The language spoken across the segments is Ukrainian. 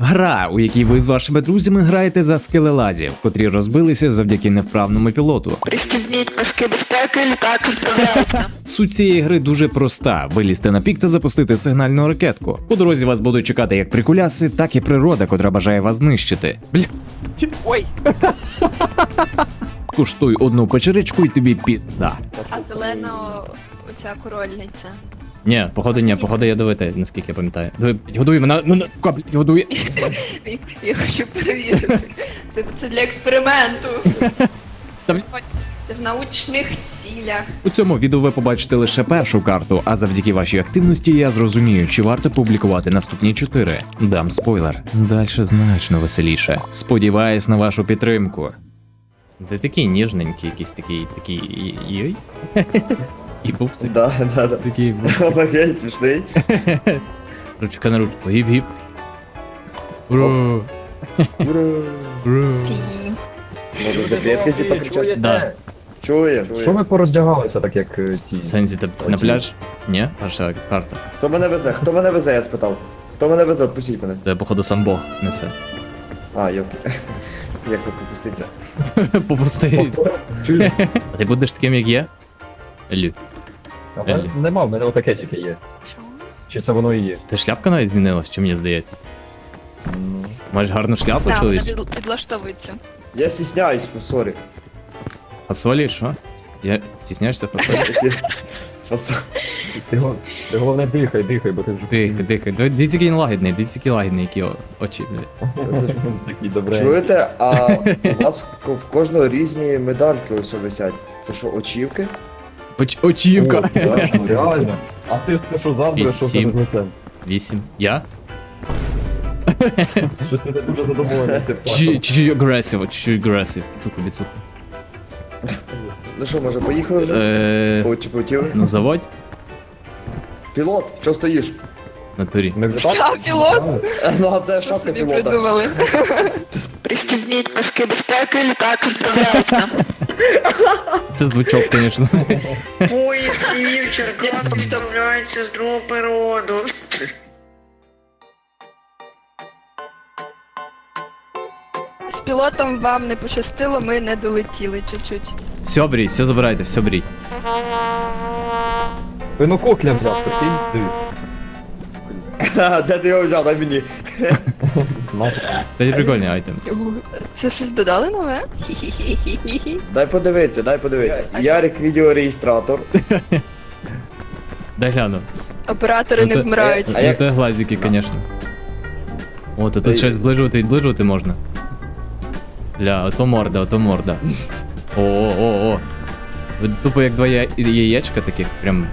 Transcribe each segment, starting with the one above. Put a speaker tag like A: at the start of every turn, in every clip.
A: Гра, у якій ви з вашими друзями граєте за скелелазів, котрі розбилися завдяки невправному пілоту.
B: Пристібніть паски безпеки, літак відправляється.
A: Суть цієї гри дуже проста: вилізти на пік та запустити сигнальну ракетку. По дорозі вас будуть чекати як прикуляси, так і природа, котра бажає вас знищити. Бля,
B: Ой,
A: куштуй одну печеричку і тобі підда.
B: а зелена оця корольниця.
A: Ні, походу ядовите, наскільки я пам'ятаю. Годуй мене, ну каплі, годуй.
B: Я хочу перевірити. Це для експерименту.
A: Та, блядь.
B: Це в научних цілях.
A: У цьому відео ви побачите лише першу карту, а завдяки вашій активності я зрозумію, чи варто публікувати наступні 4. Дам спойлер. Дальше значно веселіше. Сподіваюсь на вашу підтримку. Ти такий ніжненький, якийсь такий йой. І пупсик.
C: Да.
A: Такий пупсик.
C: Окей, смішний.
A: Ручка на ручку. Гіп-гіп. Ура! Ура!
B: Ті.
C: Може за клітки ті покричати?
A: Да.
C: Чує.
D: Що ви пороздягалися так, як ці?
A: Сензі, ти на пляж? Ні? Перша карта.
C: Хто мене везе? Хто мене везе, я спитав. Хто мене везе? Отпустіть мене.
A: Це, походу, сам Бог несе.
C: А, йоки. Як тут попуститься?
A: Попусти.
D: Чуєш?
A: А ти будеш таким, як є? Елю.
D: А в мене нема, в мене отаке тільки є.
B: Що?
D: Чи це воно і є?
A: Та шляпка навіть змінилась, чи мені здається.
D: Ну.
A: Маєш гарну шляпу,
B: Так, вона
A: чоловіч?
B: підлаштовується.
C: Я стісняюсь, сорі.
A: Фасолі, що? Стісняєшся фасолі?
D: Ти головне дихай, бо ти вже
A: Дихай. Дивіться, який він лагідний, дивіться, який лагідний, які очі, блядь.
D: такий добрий.
C: Чуєте, а у вас в кожного різні медальки ось висять. Це що, очівки?
A: Очівка.
D: Реально. А ти що завтра, що в тебе з лицем?
A: 8. Я?
D: Щось ти не дуже задоволений цим фактом.
A: Чуть-чуть агресив. Цуку, біцуку.
C: Ну що, може, поїхали вже? Чи полетіли?
A: Ну заводь.
C: Пілот, що стоїш?
A: На турі.
D: Ми вже
B: Я пілот?
C: Ну, а це
B: Що
C: шапка
B: собі
C: пілота.
B: придумали? Пристібніть паски безпеки, літак відправляється.
A: Це звучок, звісно.
B: Поїзд і Черкас вставляється з другого перероду. З пілотом вам не пощастило, ми не долетіли чуть-чуть.
A: Все бріть, все забирайте, все бріть.
D: Пинококля взяв, прикинь? Диви.
C: Де ти його взяв? Дай мені.
A: Це прикольний айтем.
B: Це щось додали нове? Хі-хі-хі-хі-хі.
C: Дай подивитися. Ярик відеореєстратор.
A: Дай гляну.
B: Оператори не вмирають.
C: А як-
A: Ну це глазики, звісно. О, то тут щось зближувати можна. Ля, ото морда. О. Ви тупо як два яєчка таких, прям.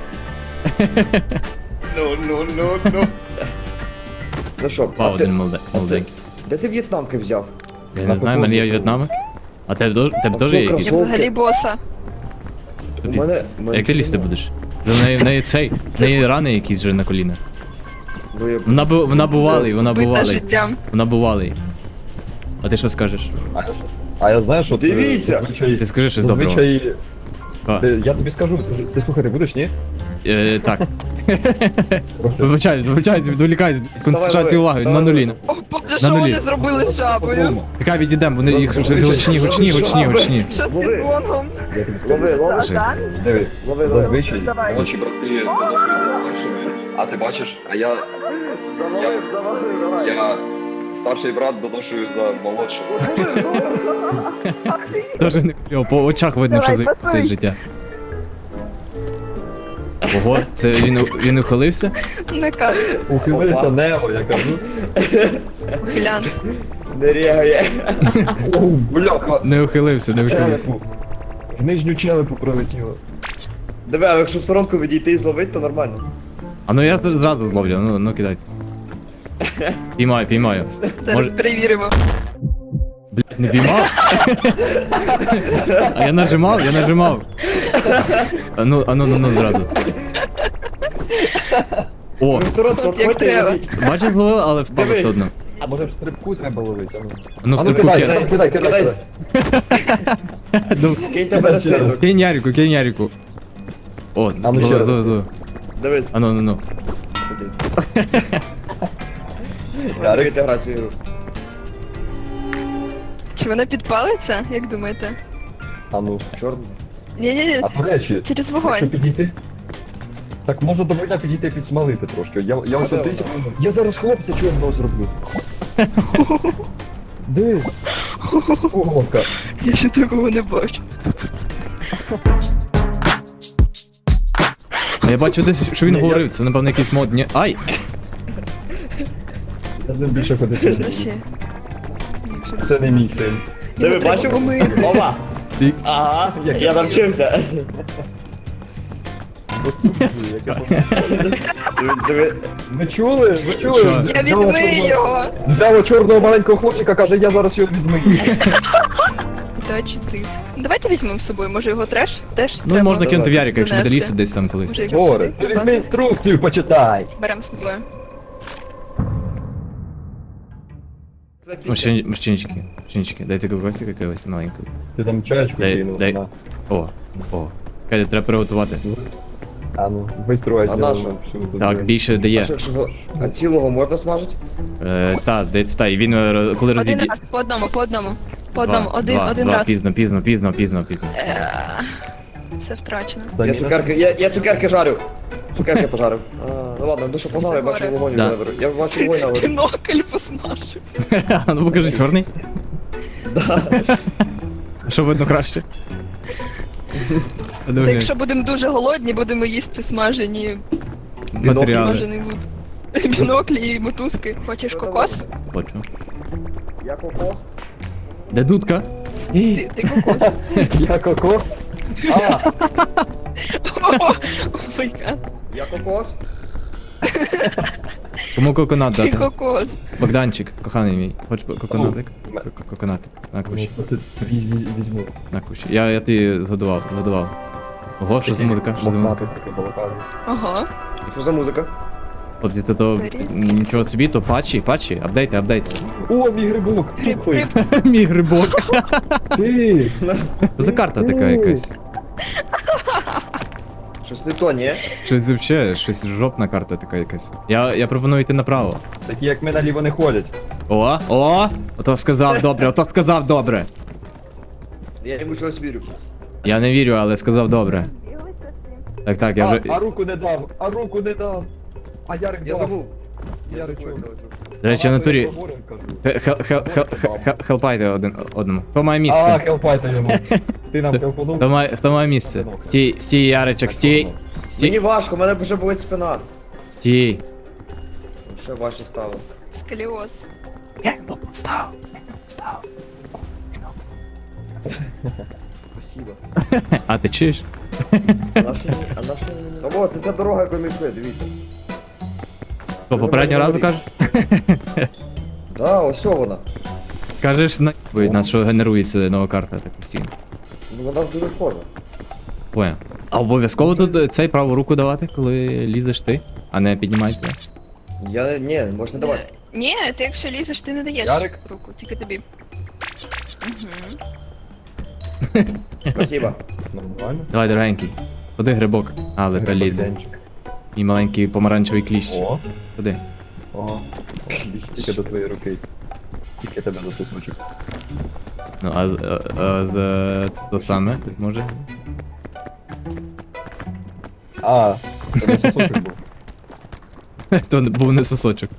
C: Ну що,
A: Вау, один молоденький.
C: де ти в'єтнамки взяв?
A: Я не знаю, в мене є В'єтнамик. А тебе теж є якийсь?
B: Я взагалі боса.
C: У мене-
A: Як ти лізти будеш? В неї рани якісь вже на коліна. Вона бувалий.
B: Бита життям.
A: Вона бувалий. А ти що скажеш?
D: А я знаю, що
C: Дивіться!
A: Ти скажи щось доброго.
D: Зазвичай...
A: А,
D: Я тобі скажу, ти слухати будеш, ні?
A: так. Вибачайте, відволікайте. Концентрацію уваги, на нулі.
B: О, Боже,
A: На
B: що
A: нулі.
B: вони зробили з жабою?
A: Яка відійдемо, вони їх гучні.
B: Що з гонгом?
D: Я тобі скажу. Диви, зазвичай молодші брати доношують за молодшими, а ти бачиш, а я старший брат доношую за молодшим.
A: Дуже не кльово, по очах видно, що це життя. Ого, це він ухилився?
B: Не кажу.
D: Ухилився небо, я кажу.
B: Глянь.
C: Не рягає.
D: О, бляха.
A: Не ухилився.
D: Челепу. В нижню челепу пролетіло.
C: Диви, а якщо в сторонку відійти і зловити, то нормально.
A: А ну я зразу зловлю, ну кидайте. Піймаю.
B: Зараз
A: Може,
B: перевіримо.
A: блядь, не піймав? А я нажимав. А ну зразу. О,
C: В сторонку
B: От як
C: відходьте і
B: треба.
C: ловіть.
A: бачиш, зловив, але впав
C: Дивись.
A: все одно.
D: А може в стрибку треба ловити?
A: Ну в
D: А ну
A: стрибку
D: кидай.
C: Кидай.
A: Ну,
C: Кинь тебе на сильно.
A: кинь Ярику. О,
D: А ну ще раз.
C: Дивись.
A: А ну.
C: Ярик, грати цю ігру.
B: Чи вона підпалиться, як думаєте?
D: А ну.
C: Чорно.
B: Ні-ні-ні,
D: А до речі,
B: через
D: якщо
B: вогонь.
D: підійти. Так може до вогня підійти підсмалити трошки. Я ось дивіться. Я зараз хлопця чорного зроблю. Диви. Ого-ка.
B: Я ще такого не бачу.
A: А я бачу десь, що він говорив, це напевно якийсь модні. Ай!
D: Я з ним більше ходити.
B: Можна
D: не
B: ще.
D: буду. Це не мій син.
C: Диви, бачив? Опа!
A: І-
C: Ага, я навчився. Диви,
D: Ви чули? Ви чули?
A: Що?
B: Я
D: Взяла
B: відмию
D: чорного-
B: його.
D: Взяла чорного маленького хлопчика, каже, я зараз його відмию.
B: Дачі тиск. Давайте візьмемо з собою, може його теж
A: Ну
B: треба
A: можна кинути в Ярика, якщо буде
B: донести.
A: лізти десь там колись.
B: Може, якщо
D: Горе,
B: сюди?
D: ти візьми інструкцію, почитай.
B: Беремо з тобою.
A: Мужчинчики, дайте кокосик якогось маленького.
D: Ти там чаєчку
A: Дай-
D: кинув.
A: дай.
D: на.
A: О. Чекайте, треба приготувати.
D: А ну, виструй.
C: А на що?
A: Так, більше
C: а
A: дає.
C: що, якщо а цілого можна смажити?
A: Та, здається, та, і він коли
B: Один
A: розіб'є...
B: раз, по одному. По одному, один раз.
A: Пізно.
B: Все втрачено.
C: Я цукерки жарю. Цукерки пожарив. Ну ладно, душу погнав, я бачу вогонь
A: Да.
C: наверху. Я бачу вогонь наверху.
B: Бінокль посмажив.
A: Ну покажи, чорний.
C: Да.
A: Що видно краще?
B: Це якщо будемо дуже голодні, будемо їсти смажені
A: Матеріали.
B: смажений лут. Біноклі і мотузки. Хочеш кокос?
A: Хочу.
C: Я кокос.
A: Де дудка?
B: Ти кокос.
D: Я кокос. А,
B: О май гад.
C: Я кокос.
A: Кому коконат
B: Ти
A: дати?
B: кокос.
A: Богданчик, коханий мій. Хочеш коконатик? Коконатик. На кущі.
D: візьму.
A: На кущі. Я ти згодував. Ого, що за музика? Що за музика?
B: Ага.
C: Що за музика?
A: От це то нічого собі, то патчі, апдейти.
D: О, мій грибок.
B: Гриб,
D: Слухай.
B: гриб.
A: Мій грибок.
D: Ти.
A: За карта така якась.
C: Щось не то, ні?
A: Щось взагалі, щось жопна карта така якась. Я пропоную йти направо.
D: Такі як ми наліво не ходять.
A: Ото сказав добре.
C: Я йому чогось вірю.
A: Я не вірю, але сказав добре. Так, я вже.
D: А руку не дав, А Ярик
C: Я
D: дав.
C: забув. Я
D: Ярик,
C: забув.
D: чого?
A: До речі, в натурі.
D: Поговоримо, кажу.
A: Хелпайте одному. Хто має місце?
D: хелпайте йому. Ти нам хелпанув?
A: Хто має місце? Стій, Яричок, стій.
C: Мені важко, в мене вже болить спина.
A: Стій.
C: Ще важче стало.
B: Сколіоз.
A: Став.
C: Спасибо.
A: А ти чуєш?
C: А наш Ну от, це та дорога, яку ми йшли, дивіться.
A: Що, попереднього разу кажеш?
C: Да, ось вона.
A: Кажеш на нас, що генерується нова карта так постійно.
C: Ну вона дуже схожа.
A: Понял. А обов'язково тут цей праву руку давати, коли лізеш ти, а не піднімайте.
C: Ні, можна давати.
B: Ні, ти якщо лізеш, ти не даєш
D: Ярик?
B: руку, тільки тобі. Угу.
C: Спасибо.
D: Нормально.
A: Давай, дорогенький. Ходи грибок. Але та лізе.
D: Грибок-денчик.
A: І маленький помаранчевий кліщ.
D: О,
A: Ходи.
D: ага. Тільки до твоєї руки. Тільки тебе за сусочок.
A: Ну, то саме, може?
D: А, це сусочок був.
A: То був не сосочок.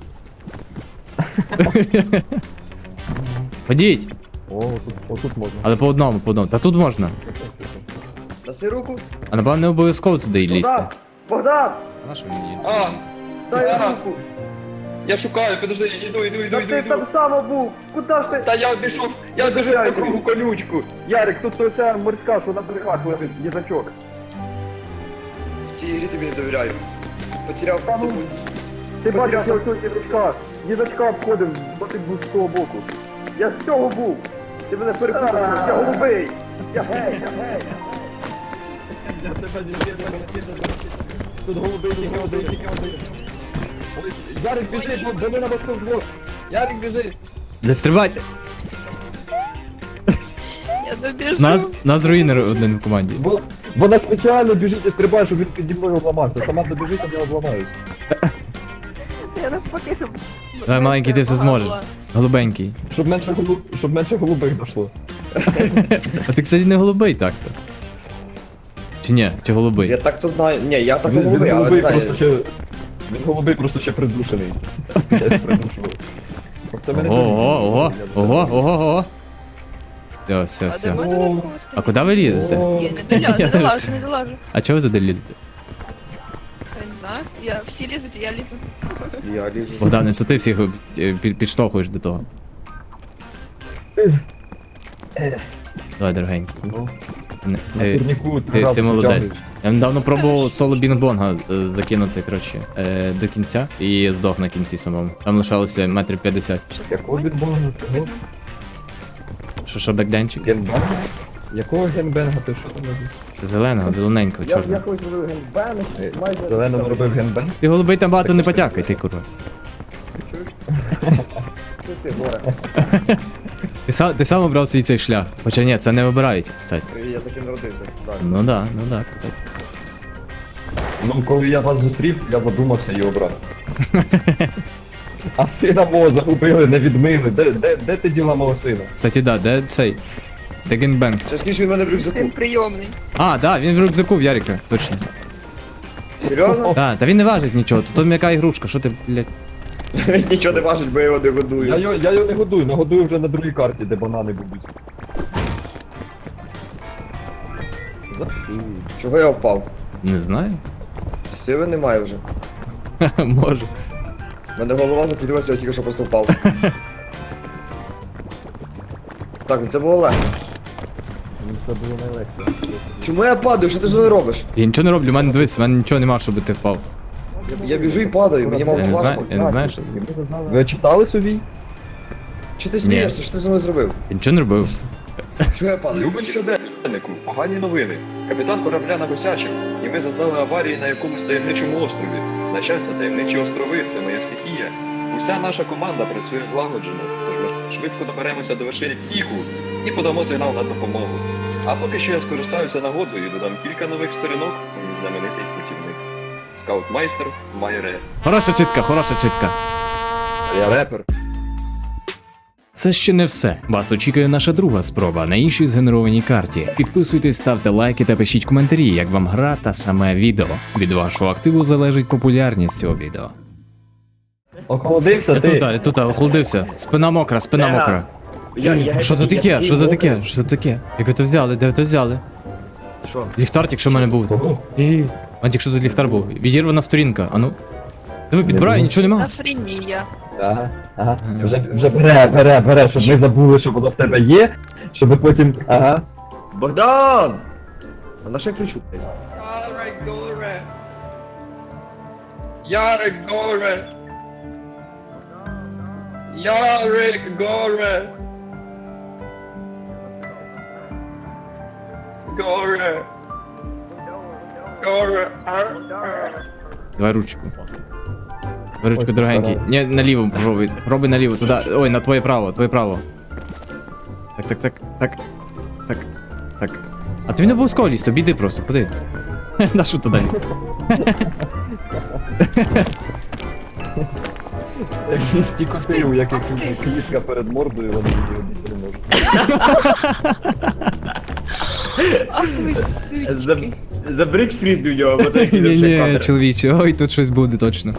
A: Ходіть!
D: О, отут можна.
A: Але по одному. Та тут можна.
C: Даси руку.
A: А напевно не обов'язково туди й лізти.
C: Богдан!
A: А що мені?
D: А,
C: Дай руку!
D: я шукаю, подожди, іду.
C: Ти там само був! Куди ж ти?
D: Та я обійшов по кругу колючку. Ярик, тут оця морська, що на берегах лежить, їжачок.
C: В цій грі тобі не довіряю. Потеряв
D: Та ну, Ти бачиш, я ось їжачка. Їжачка обходив, бо ти був з того боку. Я з цього був. Ти мене перепутав, я голубий. Я гей. Я тебе не тут голубий тільки один. Ой, Ярик, біжи, бо ми на мосту вдвох. Ярик, біжи.
A: Не стрибайте!
B: Я добіжу.
A: Нас руїнер один в команді.
D: Вона спеціально біжить і стрибає, щоб він піді мною обламався. Сама добіжить, а я обламаюсь.
B: Я навпаки, щоб
A: Давай, маленький, ти це зможеш. Голубенький.
D: Щоб менше голубих дошло.
A: А ти, кстати, не голубий так-то. Чи ні? Чи голубий?
C: Я так то знаю. Ні, я так
D: Він
C: голубий, але
D: голубий
C: не
D: просто
C: знаю.
D: ще... Він голубий просто ще придушений. Я придушував. Оце мене
A: Ого. Все.
B: А де мене
D: О.
B: додатково
A: А куди ви лізете?
B: Ні, не долажу, не долажу.
A: А чого ви туди лізете?
B: Я не знаю. Всі лізуть, я лізу.
C: Я лізу.
A: Богдане, то ти всіх підштовхуєш до того. Давай, дорогенький.
D: Ну,
A: Не-
D: на
A: е,
D: турніку
A: Ти молодець. Я недавно пробував соло Бінг-Бонга закинути, коротше, до кінця і здох на кінці самому. Там лишалося метрів 50.
D: Якого відбору?
A: Що, бекденчик?
D: Генбенга? Якого генбенга? Ти що там робиш?
A: Зелененького, чорного.
C: колись зробив генбен, майже...
D: Зеленом зробив генбенг?
A: Ти голубий там багато не потякай, ти курва.
C: Ти, горе.
A: Ти сам обрав свій цей шлях. Хоча ні, це не вибирають, кстати.
C: Я таким народився. Так.
A: Ну да. Так.
D: Ну, коли я вас зустрів, я задумався і обрав. А сина мого загубили, не відмили. Де ти діла мого сина?
A: Кстати, да, де цей? Де генбенг?
C: Ще скільки він в мене в рюкзаку.
B: Він прийомний.
A: А, да, він в рюкзаку в Ярика, точно.
C: Серйозно?
A: Да, та він не важить нічого, то м'яка ігрушка, що ти, блядь.
C: Він нічого не важить, бо я його не годую.
D: Я його не годую, нагодую вже на другій карті, де банани будуть.
C: Чого я впав?
A: Не знаю.
C: Сили немає вже.
A: Може.
C: У мене голова закрутилася, я тільки що просто впав. Так, ну це було легко.
D: Це було найлегше.
C: Чому я падаю? Що ти зі мною робиш?
A: Я нічого не роблю, в мене дивись, в мене нічого нема, щоб ти впав.
C: Я біжу і падаю, мені
A: Я
C: мало
A: не знаю,
C: важко.
A: я не знаю, що.
D: Ви читали собі?
C: Чи ти смієшся? Що ти зі мною зробив?
A: Я нічого не робив.
C: Чого я падаю?
D: Любим щоденнику, погані новини. Капітан корабля нагосячив, і ми зазнали аварії на якомусь таємничому острові. На щастя, таємничі острови це моя стихія. Уся наша команда працює злагоджено, тож ми швидко доберемося до вершини піку і подамо сигнал на допомогу. А поки що я скористаюся нагодою і додам кілька нових сторінок у мій знаменитий путівник. Скаутмайстер Майре.
A: Хороша читка.
D: Я репер.
A: Це ще не все. Вас очікує наша друга спроба на іншій згенерованій карті. Підписуйтесь, ставте лайки та пишіть коментарі, як вам гра та саме відео. Від вашого активу залежить популярність цього відео.
D: Охолодився ти?
A: Тут, охолодився. Спина мокра. Що то таке? Що то таке? Як ви то взяли? Де ви то взяли?
C: Що?
A: Ліхтар тільки що в мене був.
D: Кого?
A: А тільки що тут ліхтар був. Відірвана сторінка, а ну. Диви, підбирай, нічого нема.
B: Афренія.
D: Ага. Вже бере, щоб ми забули, що воно в тебе є, щоб потім. Ага.
C: Богдан! А на що я кричу?
B: Ярик горе. Ярик горе. Ярик горе. Горе. Горе.
A: Давай ручку. Давай ручку, дорогенький. Ні, наліво пробуй. Пробуй наліво, туди. Ой, на твоє право. Так. А тобі не обов'язково лізти, обійди просто, ходи. На що туди?
D: Як ті коти, у яких клітка перед мордою, вони її не можуть.
B: Ах ви сучки.
C: Заберіть фрізбі в нього, бо це
A: Ні, чоловіче, ой, тут щось буде точно.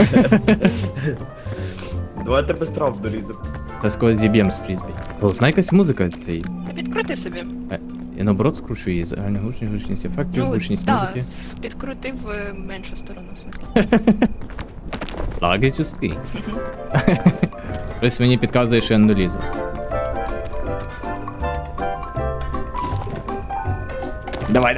C: Давайте без трав доліземо.
A: Та скось діб'єм з фрізбі. Голосна якась музика цей.
B: Підкрути собі.
A: Я наоборот скручу її, загальна гучність ефектів, гучність музики.
B: Підкрутив меншу сторону, в смислі.
A: Логічний. Хтось мені підказує, що я не долізу. Давай.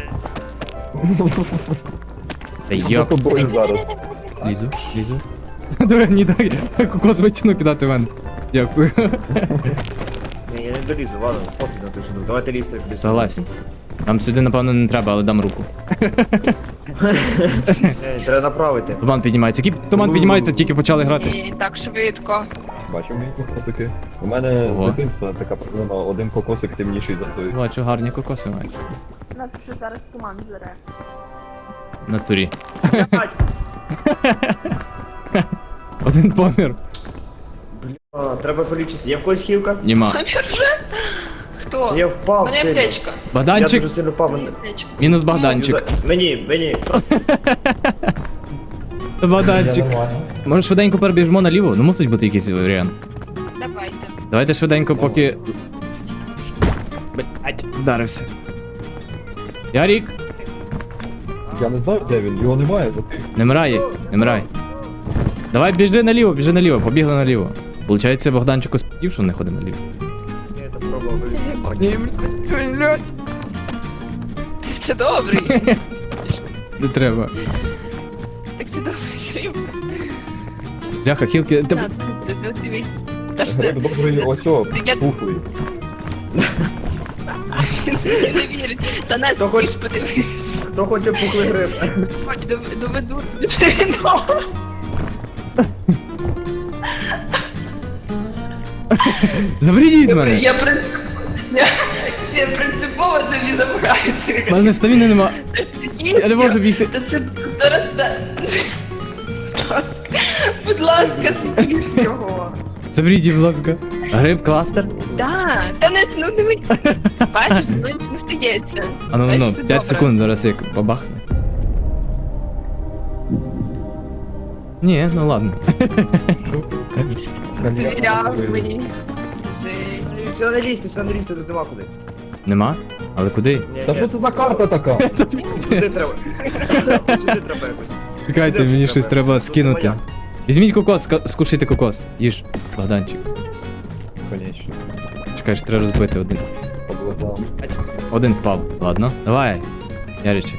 A: Та
D: За
A: йоп.
D: тобою зараз.
A: Лізу. Давай, не дай. Кокос витягну кидати в мене. Дякую.
C: Ні, я не долізу, ладно, пофіг на тишину. Давайте лізти.
A: Согласен. Нам сюди, напевно, не треба, але дам руку.
C: Треба направити.
A: Туман піднімається. Туман піднімається, тільки почали грати.
B: Ні, так швидко.
D: Бачив мої кокосики? У мене
A: Ого.
D: з дитинства така проблема, один кокосик темніший за той.
A: Бачу, гарні кокоси маєш.
B: Нас вже зараз туман зере.
A: В натурі. Один помір.
C: Треба полічитися. Є в когось хілка?
A: Нема.
B: Помір вже? Хто?
C: Я впав
B: Мене
C: сильно.
B: аптечка.
C: Я
A: Богданчик,
C: дуже сильно впав.
B: Мене аптечка.
A: мінус Богданчик.
C: Мені.
A: Богданчик. Може швиденько перебіжмо наліво? Ну мусить бути якийсь варіант.
B: Давайте.
A: Давайте швиденько, поки. Блять, вдарився. Ярік,
D: Я не знаю, де він, його немає за тим.
A: не мирай, не мирай. Давай біжи наліво, побігли наліво. Получається, Богданчику спів, що не ходить наліво.
C: Ні, це пробував.
A: Ні, блядь.
B: Це добрий.
A: Не треба.
B: Так це добрий гриб.
A: Бляха, хілки.
B: Так, дивись. Та ж ти
D: Гриб добрий, ось о,
B: Я-
D: пухлий.
B: не вірить. Та нас
C: Хто хоч-
B: ж подивись.
C: Хто хоче пухлий гриб?
B: Доведу.
A: Заберіть від мене!
B: Я принципово тобі забираюся.
A: У мене стаміни нема. Я не можу бігти.
B: Та це зараз. Будь ласка, з'їж його.
A: Заберіть, будь ласка. Гриб кластер?
B: Да, та не, ну дивись. Бачиш, ну не стається.
A: А ну,
B: Бачиш,
A: ну,
B: все
A: 5
B: добре.
A: секунд зараз як бабахне. Ні, ну ладно.
B: Довіряв мені. Жесть.
C: Все не лізьте, тут нема куди.
A: Нема? Але куди?
C: Ні,
D: Та що це за карта така?
C: Сюди треба. Сюди треба якось.
A: Чекайте,
C: Де
A: мені
C: це
A: щось
C: треба?
A: треба
C: Тут
A: скинути.
C: моя.
A: Візьміть кокос, скушайте кокос. Їж, Богданчик.
D: Конечно,
A: Чекай, що треба розбити один.
D: по глазам.
A: Один впав. Ладно. Давай. Яричик.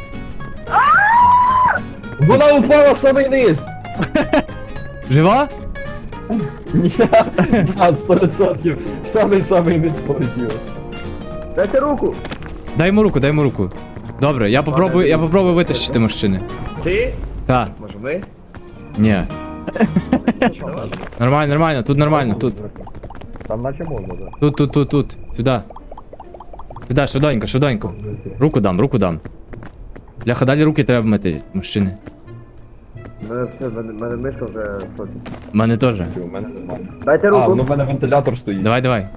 D: Вона упала в самий низ!
A: Жива?
D: Ні, да, 100%. В самий низ полетіла.
C: Дайте руку.
A: Дай йому руку. Добре, я попробую витащити мужчини.
C: Ти?
A: Та,
C: Може ми?
A: ні. Нормально, тут нормально, тут.
D: Там наче можна, да.
A: Тут. Сюди. Сюди, швиденько. Руку дам. Бляха, далі руки треба мити, мужчини.
C: Мене мишка вже в шоці.
A: У мене теж.
D: У мене нормально.
C: Дайте
D: А, ну
C: руку.
D: в мене вентилятор стоїть.
A: Давай.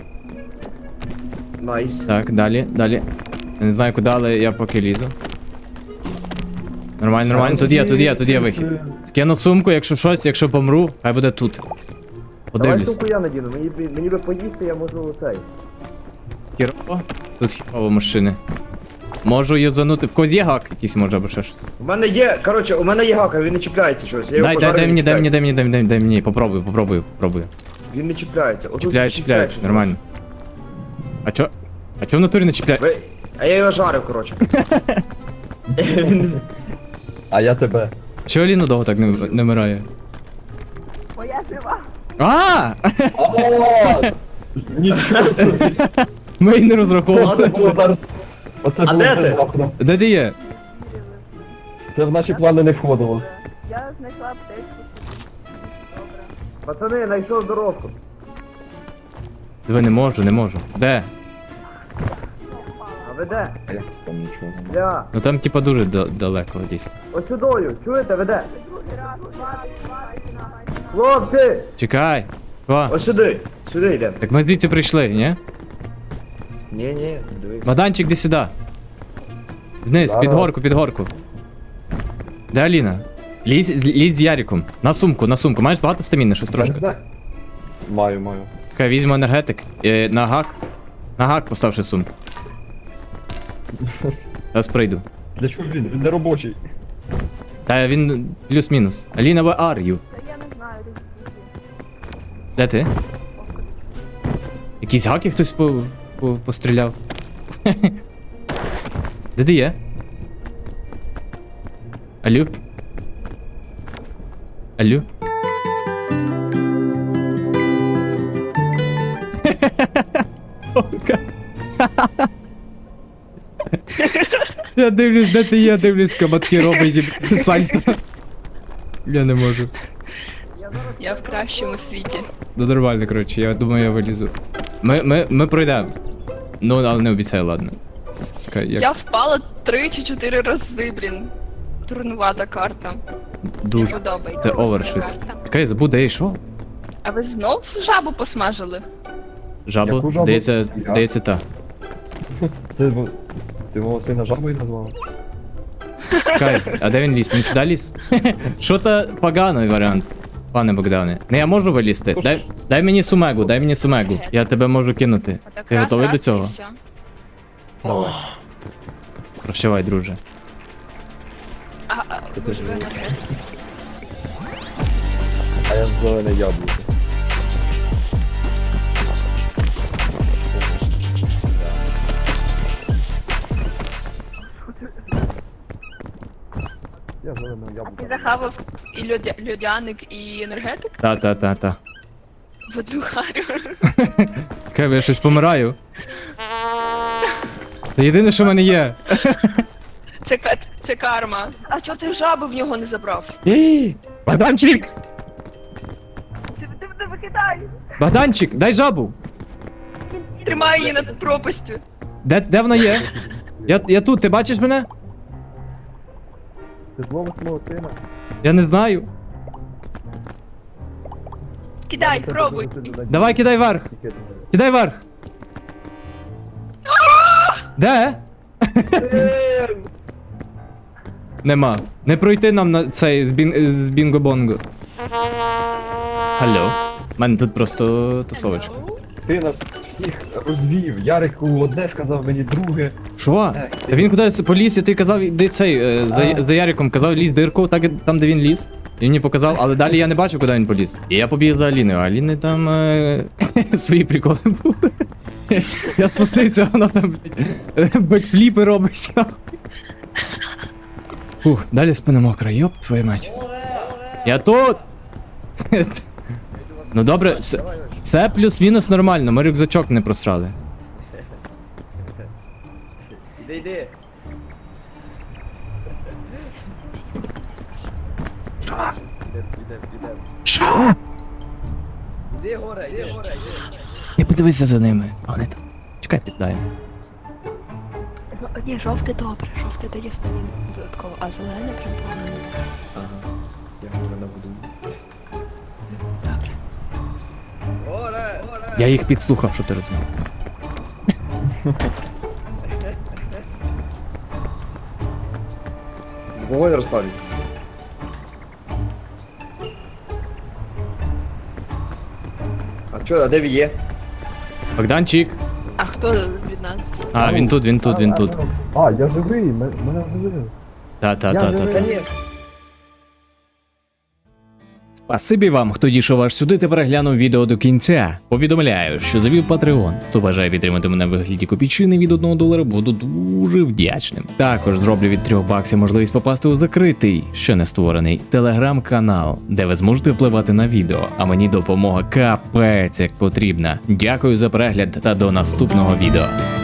C: Найс.
A: Так, далі. Я не знаю куди, але я поки лізу. Нормально. Тут є вихід. Скину сумку, якщо помру, хай буде тут.
C: Давай
A: Подивлюсь.
C: сумку я надіну, мені би поїсти, я можу цей.
A: Хірово. Тут хірово мужчини. Можу юзанути. В когось є гак якийсь може або ще щось.
C: У мене є гака, він не чіпляється щось. Я його
A: Дай
C: пожарив, він
A: дай
C: чіпляється.
A: мені. Попробую.
C: Він не чіпляється. Отут
A: Чіпляється, нормально. А чо в натурі не чіпляє?
C: А я його жарив, коротше. Він-
D: А я тебе.
A: Чого Аліна довго так не вмирає?
B: Моя жива.
A: А!
D: О! Нічого собі.
A: Ми й не розраховували.
D: Оце було зараз. Оце
C: А
D: було
C: де ти?
D: внезапно.
A: Де ти є?
D: Це в наші плани не входило.
B: Я знайшла аптечку. Добре.
C: Пацани, знайшов здоровку.
A: Диви, не можу. Де?
C: А ви де?
D: А як це там нічого немає?
C: Я.
A: Ну там типа дуже далеко дійсно.
C: Ось сюдою, чуєте, ви де? Хлопці!
A: Чекай. Що?
C: Ось сюди йдемо.
A: Так ми звідси прийшли, ні?
C: Ні, дивись.
A: Богданчик, де сюди. Вниз,
D: Зараз.
A: під горку. Де Аліна? Лізь з Яриком. На сумку. Маєш багато стаміни, щось трошки?
D: Маю.
A: Чекай, візьму енергетик. На гак поставши сумку. Зараз прийду.
D: Для чого він? Він не робочий.
A: Та він плюс-мінус. Аліна, where are you?
B: Та я не знаю,
A: Де ти? Якісь гаки хтось постріляв? Де ти є? Алло? Я дивлюсь, де ти є, дивлюсь, кабатки робить сальто. Я не можу.
B: Я в кращому світі.
A: Ну нормально, коротше, я думаю, я вилізу. Ми пройдемо. Ну, але не обіцяю, ладно. Чекай,
B: Я впала 3 чи 4 рази, блін. Турнувата карта.
A: Дуже.
B: Не подобається.
A: Це овер щось.
B: Карта.
A: Чекай, забув, де я йшов.
B: А ви знов жабу посмажили?
A: Жабу?
D: Яку жабу?
A: Здається, так.
D: Це ти мого сина жабою назвав?
A: Чекай, а де він ліз? Він сюди ліз? Що то поганий варіант, пане Богдане. Не, я можу вилізти? Дай мені сумегу, дай мені сумегу. Я тебе можу кинути.
B: Отак
A: Ти
B: раз,
A: готовий
B: раз,
A: до
B: і
A: цього?
B: все.
D: Давай.
A: Прощавай, друже.
B: Ви ж ви енергетик.
D: А я зелене яблуко. Я зелене
B: Ти
D: яблуко.
B: захавав і льодяник, і енергетик
A: Та.
B: в одну харю.
A: Чекай, бо я щось помираю. Це єдине, що в мене є.
B: Це карма. А чого ти жабу в нього не забрав?
A: Богданчик!
B: Ти мене викидай!
A: Богданчик, дай жабу!
B: Тримай її над пропастю.
A: Де вона є? Я тут, ти бачиш мене?
D: Ти зловиш мого сина?
A: Я не знаю.
B: Кидай, пробуй.
A: Давай, кидай вверх. Кидай вверх. Де? Нема. Не пройти нам на цей з бінго-бонго. Алло. У мене тут просто тусовочка.
D: Ти нас всіх розвів. Ярику одне сказав, мені друге.
A: Що? Та він кудись поліз, і ти казав, де цей, за Яриком казав, лізь дирку, так, там, де він ліз. Він мені показав, але далі я не бачив, куди він поліз. І я побіг за Аліною, а Аліни там свої приколи були. Я спустився, вона там, блядь, бекфліпи робить, нахуй. Фух, далі спина мокра, йоп, твою мать. Я тут! Ну добре, все плюс-мінус нормально, ми рюкзачок не просрали.
C: Іди. Іде.
A: Що?
C: Іди горе.
A: Не подивися за ними. А вони там. Чекай, піддаємо.
B: Ні, жовте добре, жовте дає станін додатково, а зелене прям погано.
C: Ага. Я горе набуду.
B: Добре.
C: Горе!
A: Я їх підслухав, що ти розумів.
C: Вогонь розпалюй. А де він є?
A: Богданчик.
B: А хто від нас?
A: А, він тут.
D: А, я живий, мене живий.
A: Та.
C: ні.
A: Спасибі вам, хто дійшов аж сюди та переглянув відео до кінця. Повідомляю, що завів Patreon. Хто бажає підтримати мене в вигляді копійчини від $1, буду дуже вдячним. Також зроблю від $3 можливість попасти у закритий, ще не створений, телеграм-канал, де ви зможете впливати на відео, а мені допомога капець як потрібна. Дякую за перегляд та до наступного відео.